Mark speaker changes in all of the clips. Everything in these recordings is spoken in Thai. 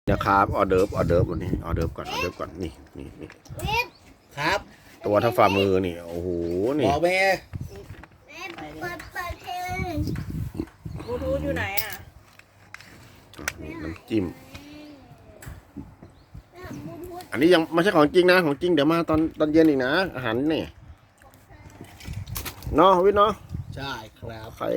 Speaker 1: นะครับออเดิร์ฟวันนี้ออเดิร์ฟก่อนนี่
Speaker 2: ครับ
Speaker 1: ตัวเท่าฝ่ามือนี่โอ้โหนี่
Speaker 2: บอกแม่
Speaker 3: เปิดเพลง
Speaker 4: บลูทูธอยู่ไหนอ่ะ
Speaker 1: นี่น้ำจิ้มอันนี้ยังไม่ใช่ของจริงนะของจริงเดี๋ยวมาตอนเย็นอีกนะอาหารนี่เนาะวิทย์เนาะ
Speaker 2: ใช่ครับ
Speaker 1: โอเค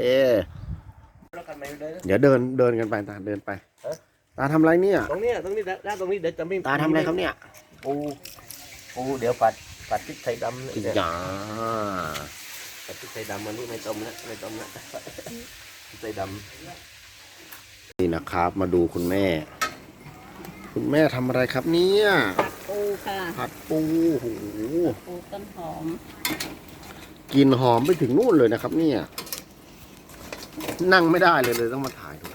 Speaker 1: เดี๋ยวเดินกันไปตาเดินไปตาทำอะไรเนี่ย
Speaker 2: ตรงนี้ด้านตรงนี้เดี๋ยวจะไม่
Speaker 1: ตาทำอะไรครับเนี่ย
Speaker 2: ปูเดี๋ยวผัดพริกไทยดำเนี่ย
Speaker 1: จ้า
Speaker 2: ผัดพริกไทยดำมันนี่ไม่ต้มนะพริกไทยดำ
Speaker 1: นี่นะครับมาดูคุณแม่ทำอะไรครับเนี่ย
Speaker 4: ผัดปูค่ะ
Speaker 1: ผัดปูโอ้โห
Speaker 4: ปูต้นหอม
Speaker 1: กลิ่นหอมไปถึงนู่นเลยนะครับเนี่ยนั่งไม่ได้เลยต้องมาถ่ายดู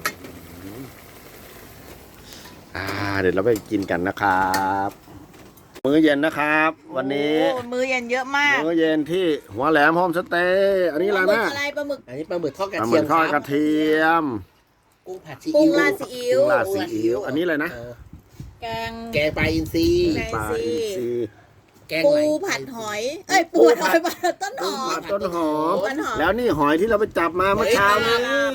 Speaker 1: เดี๋ยวเราไปกินกันนะครับมื้อเย็นนะครับ วันนี้
Speaker 4: มื้อเย็นเยอะมาก
Speaker 1: มื้อเย็นที่หัวแหลมโฮมสเตย์อันนี้อะไรนะ
Speaker 4: ปลาหมึก
Speaker 2: อันนี้ปลาหมึกทอดกระ
Speaker 1: ปลาห
Speaker 2: เที
Speaker 1: มึ
Speaker 2: ย
Speaker 1: ก
Speaker 2: ม
Speaker 1: ทอดกระเทียม
Speaker 2: กุ้งผัดซี
Speaker 4: กุ้
Speaker 2: อิ๊
Speaker 4: ง
Speaker 2: ว
Speaker 4: ราดซีอิ๊ว
Speaker 1: อันนี้อะไรนะ
Speaker 4: แกง
Speaker 2: ปลาอินทรี
Speaker 1: ปลาอินทรี
Speaker 4: ปูผัดหอยปูผัดหอยต้นหอม
Speaker 1: แล้วนี่หอยที่เราไปจับมาเมื่อเช้านี้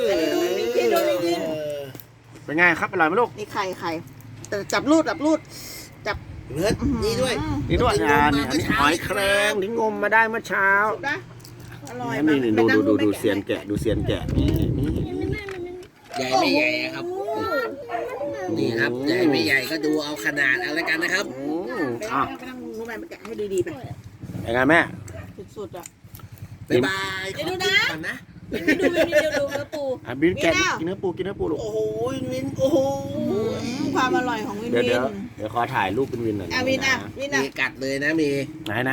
Speaker 1: เป็นไงครับอร่อยไหมลูก
Speaker 4: นี่ไข่แต่จับรูดจับ
Speaker 2: เนื้อนี่ด้วย
Speaker 1: นี่หอยแครงที่งมมาได้เมื่อเช้า
Speaker 4: อร่อย
Speaker 1: นี่ดูเซียนแกะนี่
Speaker 2: ใหญ่ไม่ใหญ่ครับนี่ครับใหญ่ไม่ใหญ่ก็ดูเอาขนาดเอาละกันนะครับ
Speaker 4: ไปนั่งรู้ไหมไปแกะให้ดีๆไป
Speaker 1: ยังไงแม่
Speaker 4: สุดๆอ่ะ
Speaker 2: บ๊ายบาย
Speaker 4: เดี๋ยวดูนะดูเนื้อปู
Speaker 1: บินแกะกินเนื้อปูลูก
Speaker 2: โอ้โหวินโอ้โห
Speaker 4: ความอร่อยของวิน
Speaker 1: เดี๋ยวขอถ่ายรูปเป็นวินหน่อย
Speaker 4: วิน
Speaker 2: มีกัดเลยนะมี
Speaker 1: ไหน
Speaker 2: เป็นไง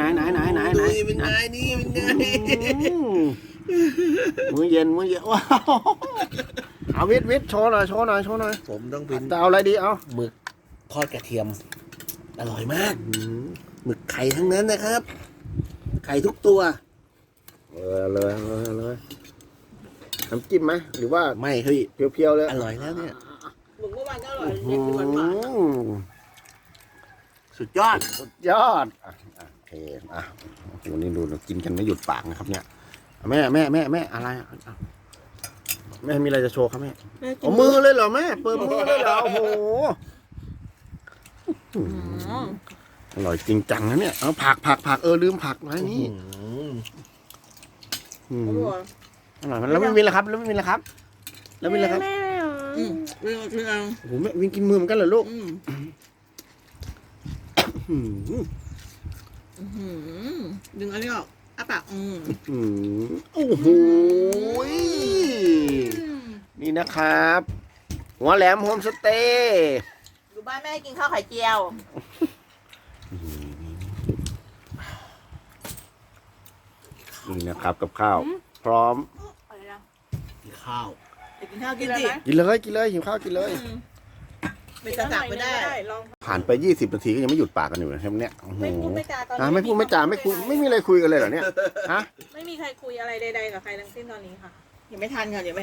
Speaker 1: มื้อเย็นว้าวเอาวิทย์โชว์หน่อย
Speaker 2: ผมต้องเป็น
Speaker 1: จะเอาอะไรดีเอา
Speaker 2: หมึกทอดกระเทียมอร่อยมากหมึกไข่ทั้งนั้นนะครับไข่ทุกตัว
Speaker 1: เลยน้ำจิ้มไหมหรือว่า
Speaker 2: ไม่เฮ้ย
Speaker 1: เพียวๆเลย
Speaker 2: อร่อยแล้วเนี่ย
Speaker 4: หมึกเมื่อวานก็อร่อยเนี่ยกินหวาน
Speaker 2: สุดยอด
Speaker 1: โอเควันนี้ดูกินกันไม่หยุดปากนะครับเนี่ยแม่อะไรแม่มีอะไรจะโชว์ครับแม่เอามือเลยเหรอแม่เปิดมือเลยเหรอโอ้โหอร่อยจริงจังนะเนี่ยเอาผักลืมผักไว้นี่อร่อยมันแล้วไม่มีแล้วครับแล้วไม่มีแล้วครับโอ้โหแม่วิ่งกินมือเหมือนกันเหรอลูก
Speaker 4: ดึงอันนี้ออกปาก
Speaker 1: โอ้โหนี่นะครับหัวแหลมโฮมสเตย์
Speaker 4: อยู่บ้านแม่กินข้าวไข่เจียว
Speaker 1: นี่นะครับกับข้าวพร้อม
Speaker 2: กินข้าว
Speaker 4: กินเลย
Speaker 1: หิวข้าวกินเลย
Speaker 4: ไม่จะจับไม่ได้
Speaker 1: ผ่านไป20 นาทีก็ยังไม่หยุดปากกันอยู่นะครับเนี่ย
Speaker 4: ไม่พูดไม่จาตอนนี้
Speaker 1: ไม่พูดไม่จาไม่คุยไม่มีอะไรคุยกันเลยเหรอเนี่ยฮะ
Speaker 4: ไม่มีใครคุยอะไรใดๆกับใครทั้งสิ้นตอนนี้ค่ะยังไม่ทัน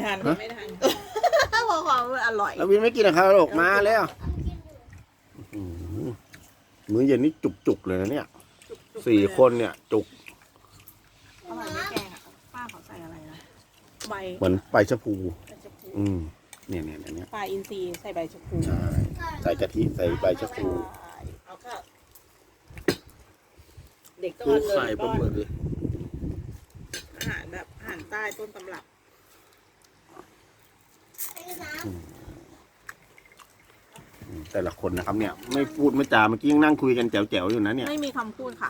Speaker 4: พอความอร่อย
Speaker 1: แล้ววินไม่กินนะครับลูกมาแล้วมื้อเย็นนี่จุกเลยนะเนี่ย4 คนเนี่ยจุก
Speaker 4: อร่อยไม่แกงอ่ะป้าเขาใส่อะไรนะใบ
Speaker 1: เหมือนใบชะพูเนี่ย
Speaker 4: ปลาอินทรีใส่ใบชะพู
Speaker 1: ใช่ใส่กะทิใส่ใบชะพู
Speaker 4: เอาข้าวเด็กต้อง
Speaker 2: ใส่ปลาหมึก
Speaker 4: อาหารแบบอาหารใต้ต้นตำรับ
Speaker 1: แต่ละคนนะครับเนี่ยไม่พูดไม่จาเมื่อกี้ยังนั่งคุยกันแจ๋วๆอยู่นะเนี่ย
Speaker 4: ไม่มีคำพูดค่ะ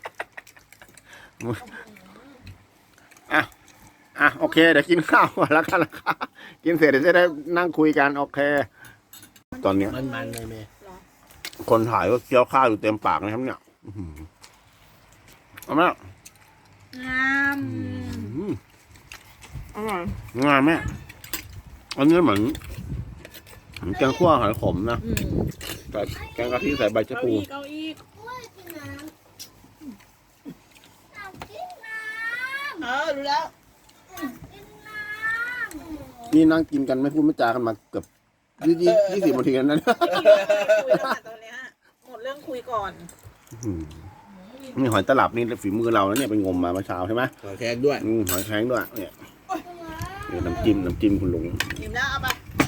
Speaker 1: โอเคเดี๋ยวกินข้าวก่อนแล้วกันนะครับกินเสร็จเดี๋ยวจะได้นั่งคุยกันโอเคตอนนี้
Speaker 2: มันเลยแม่
Speaker 1: คนถ่ายก็เคี้ยวข้าวอยู่เต็มปากนะครับเนี่ยเอาไหม
Speaker 4: อร่อย
Speaker 1: งามแม่อันนี้เหมือนแกงคั่วหอยขมนะใส่แกงกะทิใส่ใบชะพู
Speaker 4: รู้แล้ว
Speaker 1: นี่นั่งกินกันไม่พูดไม่จากันมาเกือบ 20 นาทีนั้น
Speaker 4: คุยแล้วตอนเนี้ยหมดเรื่องคุยก่อน
Speaker 1: นี่หอยตลับนี่ฝีมือเราแล้วเนี่ยไปงมมาเมื่อเช้าใช่ไหม
Speaker 2: ขอแขกด้วย
Speaker 1: หอยแครงด้วยเนี่ยนี่น้ำจิ้มคุณลุง
Speaker 4: อิ่มแล้วเอาไป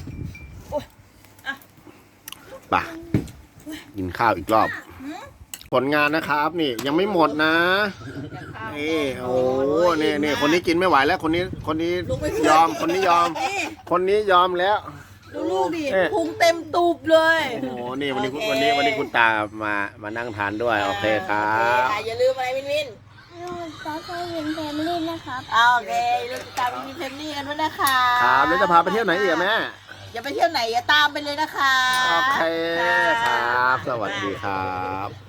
Speaker 1: ป่ะกินข้าวอีกรอบ ผลงานนะครับนี่ยังไม่หมดนะนี่โอ้นี่คนนี้กินไม่ไหวแล้วคนนี้ยอมคนนี้ยอม คนนี้ยอมแล้ว
Speaker 4: ดูลูกดิพุงเต็มตูบเลย
Speaker 1: โอ้โหนี่วันนี้คุณตามานั่งทานด้วยโอเคครับ
Speaker 4: อย่าลืมอะไรวิน
Speaker 3: ขอใช้วินแฟมิลี่นะครับ
Speaker 4: โอเคลูกตามวินเฟมนี่กันด้วยนะคะ
Speaker 1: ครับแล้วจะพาไปเที่ยวไหนอีกอะแม่
Speaker 4: อย่าไปเที่ยวไหนอย่าตามไปเลยนะคะ
Speaker 1: โอเคครับ สวัสดีครับ